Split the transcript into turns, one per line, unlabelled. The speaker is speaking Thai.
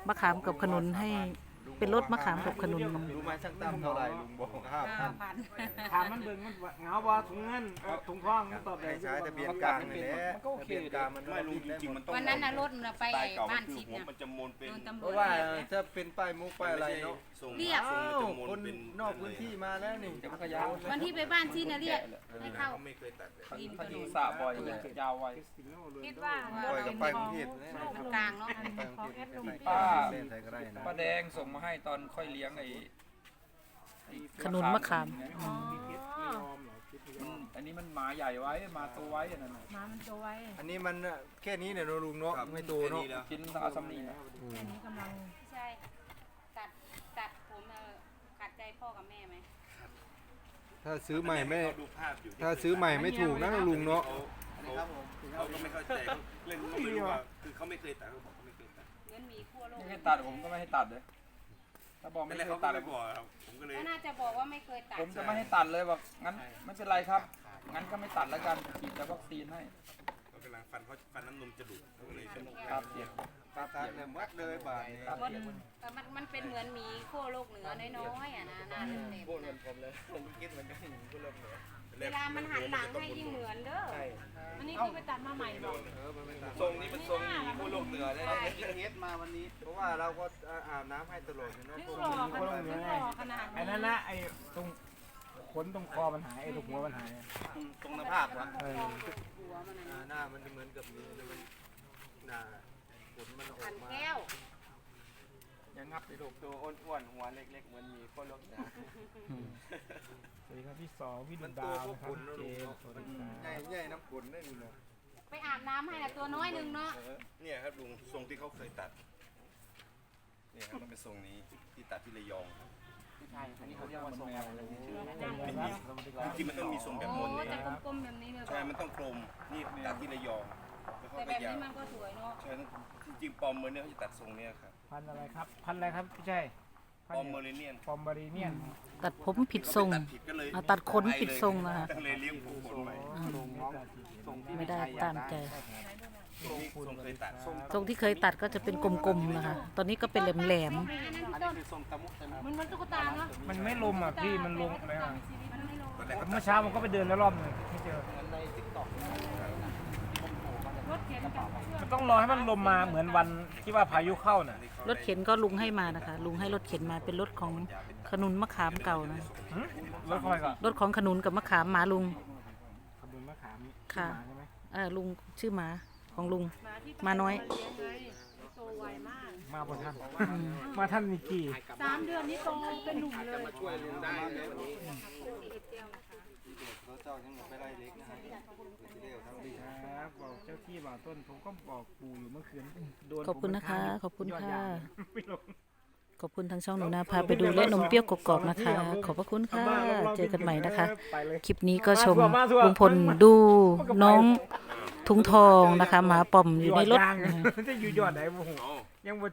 มะขามกับขนุนให้เป็นรสมะขามกับขนุน
รู้ไหมช่างตั้มเท่าไหร่ลุงบอก5,000
ถามมันเบิ่งมันเงาบ่ถุงเงินถุงทองมันตอบได้
ใช้ทะเบียนกลางนี่แหละทะเบียนกลางมัน
ไม่ลุงจริงๆมันต้อง
วันนั้นน่ะรถมันไปบ้านชิด
ผม
น่ะ
มันจะมนเป็น
โดนตำร
เพ
วจ
ราะว่าถ้าเป็นป้ายมุกป้ายอะไรเนาะ
ส่ง
เรียก
ส่ง
อ้า
มัน
ว
จะมน
คน
เป็น
นอกพื้นที่มาแล้วนี่
จักรยาน
วันที่ไปบ้านชิดน่ะเรียกให้เข้า
เขาไม่เคยตัดเลย
ริมถ
เขา
น
อยู่
น
สระบ่อยเลยยาวไว
คิดว่า
ปล่อยกับไปกรุงเทพ
มันกลางเนาะ
ไปกรุงเทพไป
ป้า
เส้นไทยก็ได้นะ
ป้าแดงส่งมาให้ตอนค่อยเลี้ยงไอ้
ขนุนมะขาม
อ๋อ
อันนี้มันหมาใหญ่ไว้หมาตัวไว้อันนั้นน่ะ
หมามันตัวไว้
อันนี้มันแค่นี้เนี่ยลุงเนาะไม่โตเนาะ
กินอาซัมนีนะ
แค่นี้กำลัง
ใช่ตัดผมขัดใจพ่อกับแม่ไหม
ถ้าซื้อใหม่ไม่
เขาดูภาพอยู่
ถ้าซื้อใหม่ไม่ถูกนะลุงเนาะ
เขาก็ไม่เข้าใจเขาเล่นเขาไม่รู้ว่าคือเขาไม่เคยตัดเขาบอกเขาไม่เคยตัด
เหมือนหมีขั้วโลก
ไม่ให้ตัดผมก็ไม่ให้ตัดเลยถ้าบอกไม่
นั่นแห
เค
ละ
ย
เขา
ตั
ก็
ด
ไม่บอกครับผมก็เลย
ก็น่าจะบอกว่าไม่เคยตัด
ผมจะไม่ให้ตัดเลยบอกงั้นไม่เป็นไรครับงั้นก็ไม่ตัดแล้วกันฉีดแต่วัคซีนให้
เขากำลังฟันน้ำนมจะดุเขาก็เลยเป็น
ครับเสีย
ตัดเนี่ยมัดเลยบาทนี่
มันเป็นเหมือนหมีขั้วโลกเหนือน้อยๆอ่ะนะหน้าเต็ม
พูดเหมือนผมเลยผมคิดเหมือนกันพูดเริ่มเลย
ๆเวลามันหันหลังให้ยิ่งเหมือนเด้อ
อันนี้คือไปตัดมาใหม่บอก
มันไม่ตัด
ทรงนี้มันทรงหมีผู้โลกเหนือเลยนะ
เพราะว่าเราก็อาบน้ำให้ตลอดเนาะ
นึกหล่อขนาดนึกหล่อขนาด
ไอ้นั่นนะไอ้ตรงขนตรงคอมันหายไอ้ตรงหัวมันหาย
ตรงหน้าผากวะ
หัวมันน่ะ
หน้ามันจะเหมือนกับนี้มันหน้าขนมันออ
ขั
ก
น
มา
แก้ว
ยังงับไปลูก
ตัวอ้วนๆหัวเล็กๆเหมือนมีคนโลกเหนือ
สวัสดีครับพี่สองพี่ดุ
มัน
ดา
ตัว
ว
พวก
นะครับ
ขน
เจ
เนาะ
ม
ลุง
ส์สวัส
เนาะ
ดีครับ
ใหญ่น้ำขนได้นี่เนาะ
ไปอาบน้ำให้น่ะตัวน้อยหนึงเนาะ
เนี่ยครับลุงทรงที่เขาเคยตัดเนี่ยครับมันเป็นทรงนี้ที่ตัดที่ระยอง
ใช่อันนี้เขาเรียกว่าทรงอะไรนะ
จริงๆมันต้องมีทรงแบบ
โอ้
มนเนี่ย
จะกลมๆแบบนี้เลย
ใช่มันต้องกลมนี่ตัดที่ระยองแล้วเขา
แต่
ก็
แบบ
ยา
นี้
ว
มันก็สวยเนาะ
ใช่จริงๆปอมเมอร์เนี่ยเขาจะตัดทรงเนี้ยครับ
พันธุ์อะไรครับพันธุ์อะไรครับพี่ชัย
ปอมเมอร์เนียน
ปอมบารีเนียน
ตัดผมผิดทรง
ตัดผิดก็เลย
ตัดขนผิดทรงนะคะ
ก็เลยเลี้ยงผมขนใหม่
ไม่ได้ตามใจ
นี่ทรงเคยตัด
ทรงที่เคยตัดก็จะเป็นกลมๆนะคะ ตอนนี้ก็เป็นแหลม
อันนั้นพี่ต้นมันตุ๊กตาเนาะ
มันไม่ลมอ่ะพี่มันลงอะไรอ่ะ
มันไม่ลง
ตอนแรกก็ตั
เมื่
ด
อเช้าผมก็ไปเดินแล้วรอบหนึงไม่เจอ
รถเข็นกับเชือก
มันต้องรอให้มันลมมาเหมือนวันที่ว่าพายุเข้าน่ะ
ๆรถเข็นก็ลุงให้มานะคะ ลุงให้รถเข็นมาเป็นรถของขนุนมะขามเก่านะ
หึรถคอยก่อน
รถของขนุนกับมะขามหมาลุง
ขบวนมะขาม
ค่ะ
ใช่ไหม
ลุงชื่อหมาของลุง
หมาที่
มาน้อย
เลี้ยงไงโตไวมาก
มาบนท่านมาท่านนิกกี้
3 เดือนนี้โตเป็นหนุ่มเลย
ช่วยลุงได้เลยวันนี้เขาเจ้ายังไม่ได้เล็กนะฮะเร็วทั้งดี
ครับบอกเจ้าที่บอกต้นผมก็บอกปู่อยู่เมื่อคืนโดน
ขอบคุณนะคะ ขอบคุณ
ยอด
ค่ะ
ยางไม่ลง
ขอบคุณทางช่องหนูนาพาไปดูและนมเปรี้ยวกรอบๆนะคะ ขอบพระคุณค่ะ เจอกันใหม่นะคะ
ไปเลย
คลิปนี้ก็ชมลุงพลดูน้องทุงทองนะคะหมาป่อมอยู่ในรถ
ยอดยางจะอยู่ยอดไหนโอ้โหยังบ่